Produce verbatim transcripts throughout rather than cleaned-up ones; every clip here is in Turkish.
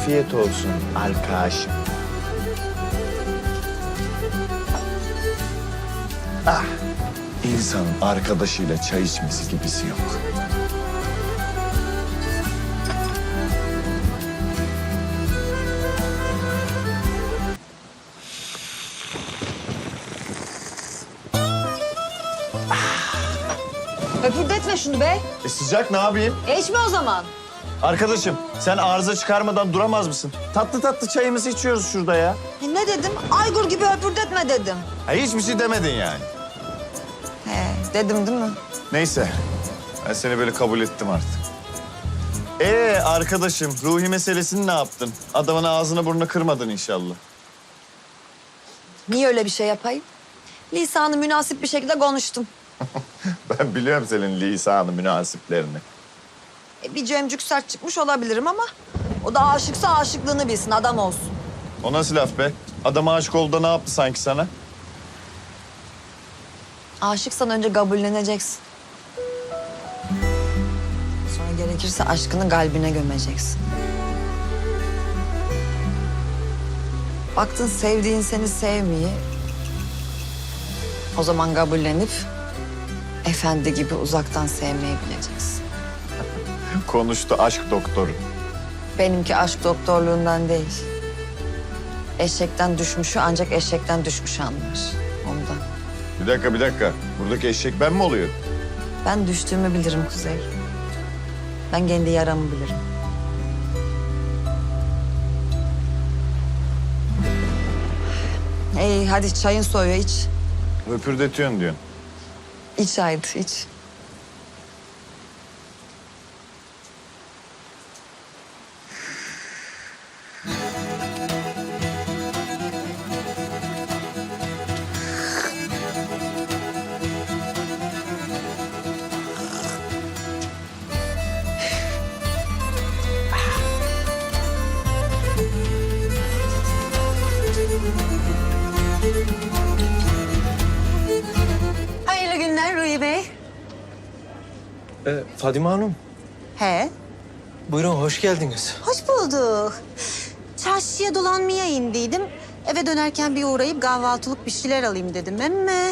afiyet olsun arkadaşım. Ah, insanın arkadaşıyla çay içmesi gibisi yok. Höpürdetme şunu be. E sıcak ne yapayım? E içme o zaman. Arkadaşım sen arıza çıkarmadan duramaz mısın? Tatlı tatlı çayımızı içiyoruz şurada ya. E ne dedim? Aygur gibi höpürdetme dedim. Ha, hiçbir şey demedin yani. He dedim değil mi? Neyse. Ben seni böyle kabul ettim artık. Ee arkadaşım, Ruhi meselesini ne yaptın? Adamın ağzını burnunu kırmadın inşallah. Niye öyle bir şey yapayım? Lisanı münasip bir şekilde konuştum. Ben biliyorum senin lisanı münasiplerini. E, bir cemcük sert çıkmış olabilirim ama... ...o da aşıksa aşıklığını bilsin, adam olsun. O nasıl laf be? Adam aşık oldu da ne yaptı sanki sana? Aşıksan önce kabulleneceksin. Sonra gerekirse aşkını kalbine gömeceksin. Baktın sevdiğin seni sevmiyor. O zaman kabullenip efendi gibi uzaktan sevmeyi bileceksin. Konuştu aşk doktoru. Benimki aşk doktorluğundan değil. Eşekten düşmüşü ancak eşekten düşmüş anlar. Ondan. Bir dakika bir dakika. Buradaki eşek ben mi oluyorum? Ben düştüğümü bilirim Kuzey. Ben kendi yaramı bilirim. İyi hadi çayın soğuyor iç. Öpürdetiyorsun diyorsun. İç haydi iç. Hayırlı günler Ruhi Bey. Ee, Fadime Hanım, He, buyurun hoş geldiniz. hoş bulduk. Çarşıya dolanmaya indiydim. Eve dönerken bir uğrayıp kahvaltılık bir şeyler alayım dedim emme.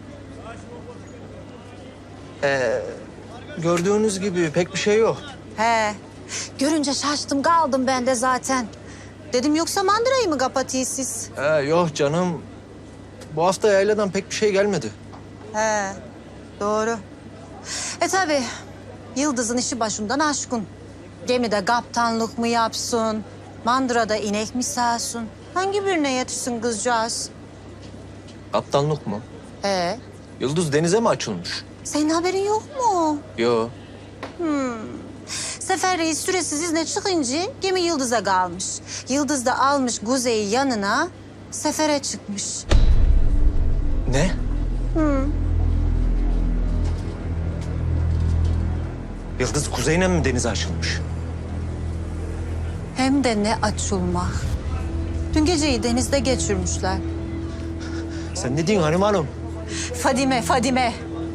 Gördüğünüz gibi pek bir şey yok. He, görünce şaştım kaldım ben de zaten. Dedim yoksa mandırayı mı kapatıyız siz? Ee, yok canım, bu hafta yayladan pek bir şey gelmedi. He, doğru. E tabii, Yıldız'ın işi başından aşkın. Gemide kaptanlık mı yapsın, mandırada inek mi sağsın? Hangi birine yetişsin kızcağız? Kaptanlık mı? He, Yıldız denize mi açılmış? senin haberin yok mu? Yok. Sefer Reis süresiz izne çıkınca gemi Yıldız'a kalmış. Yıldız da almış Kuzey'i yanına, sefere çıkmış. Ne? Yıldız kuzeyine mi denize açılmış? Hem de ne açılmak. Dün geceyi denizde geçirmişler. Sen ne diyorsun Hanım Hanım? Fadime, Fadime.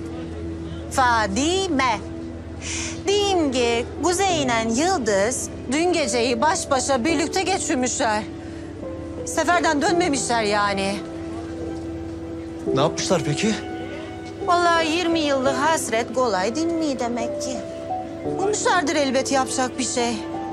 Fadime. Diyeyim ki Kuzey ile Yıldız dün geceyi baş başa birlikte geçirmişler. Seferden dönmemişler yani. Ne yapmışlar peki? Vallahi yirmi yıllık hasret kolay dinmiyor demek ki. Bulmuşlardır elbet yapacak bir şey.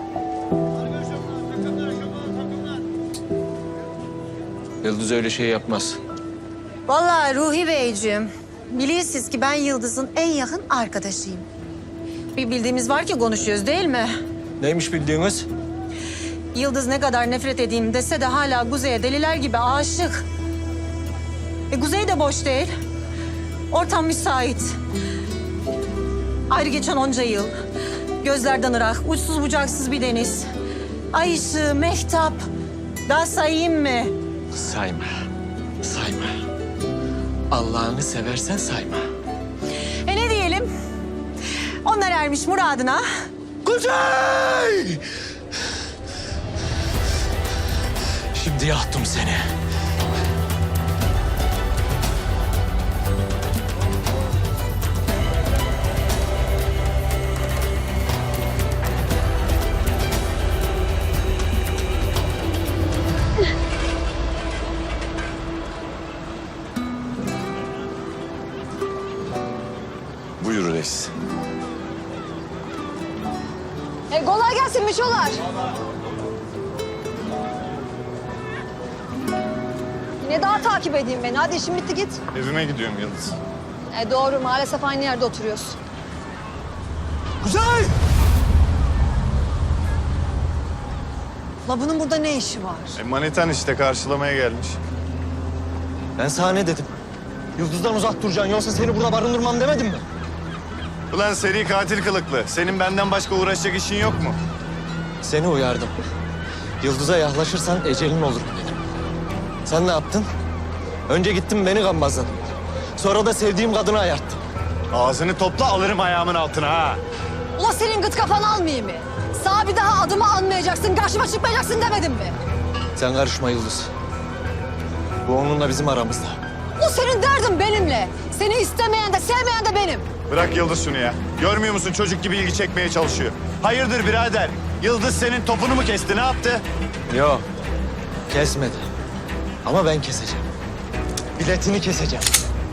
Yıldız öyle şey yapmaz. Vallahi Ruhi Beyciğim, biliyorsunuz ki ben Yıldız'ın en yakın arkadaşıyım. Bir bildiğimiz var ki konuşuyoruz değil mi? Neymiş bildiğiniz? Yıldız ne kadar nefret edeyim dese de hala Kuzey'e deliler gibi aşık. E Kuzey de boş değil. Ortam müsait. Ayrı geçen onca yıl. Gözlerden ırak, uçsuz bucaksız bir deniz. Ay ışığı, mehtap. Daha sayayım mı? Sayma. Sayma. Allah'ını seversen sayma. E ne diyelim? Onlar ermiş muradına. Kuzey! Şimdi yaktım seni. buradayız. E, kolay gelsin Miçolar. Yine daha takip edeyim beni. Hadi işim bitti git. Evime gidiyorum Yıldız. E, doğru maalesef aynı yerde oturuyoruz. Kuzey! La bunun burada ne işi var? E, manitan işte karşılamaya gelmiş. Ben sana ne dedim? Yıldız'dan uzak duracaksın yoksa seni burada barındırmam demedim mi? Ulan seri katil kılıklı. Senin benden başka uğraşacak işin yok mu? Seni uyardım. Yıldız'a yaklaşırsan ecelin olur dedim. Sen ne yaptın? Önce gittin beni gambazladın. Sonra da sevdiğim kadını ayarttın. Ağzını topla alırım ayağımın altına ha. Ula senin gıt kafanı almayayım mı? Sağ bir daha adımı anmayacaksın, karşıma çıkmayacaksın demedim mi? Sen karışma Yıldız. Bu onunla bizim aramızda. O senin derdin benimle. Seni istemeyen de sevmeyen de benim. Bırak Yıldız şunu ya. Görmüyor musun çocuk gibi ilgi çekmeye çalışıyor. Hayırdır birader? Yıldız senin topunu mu kesti ne yaptı? Yok. Kesmedi. Ama ben keseceğim. Biletini keseceğim.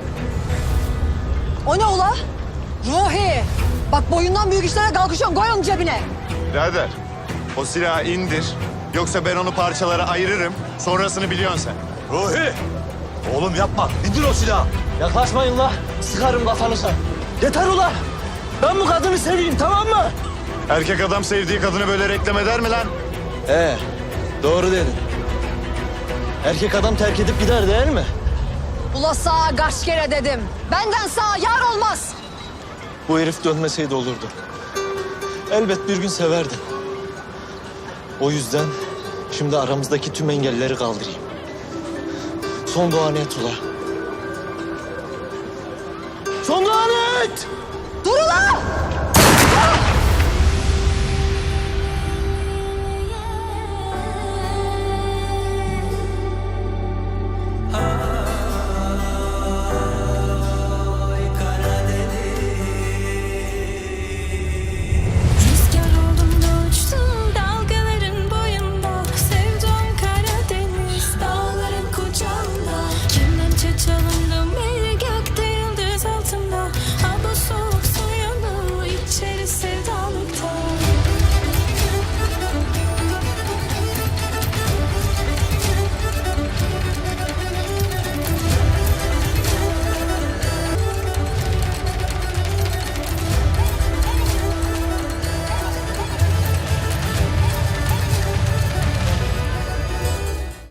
O ne ula? Ruhi! Bak boyundan büyük işlere kalkışıyorsun, koy onu cebine. Birader o silahı indir. Yoksa ben onu parçalara ayırırım. Sonrasını biliyorsun sen. Ruhi! Oğlum yapma. İndir o silahı. Yaklaşmayın la. Sıkarım kafanıza. Yeter ula. Ben bu kadını seveyim tamam mı? Erkek adam sevdiği kadını böyle reklam eder mi lan? Ee, doğru dedin. Erkek adam terk edip gider değil mi? Ula sağa kaç kere dedim. Benden sağa yar olmaz. Bu herif dönmeseydi olurdu. Elbet bir gün severdi. O yüzden şimdi aramızdaki tüm engelleri kaldırayım. Son duanı et ula. Son duanı et! Dur ula!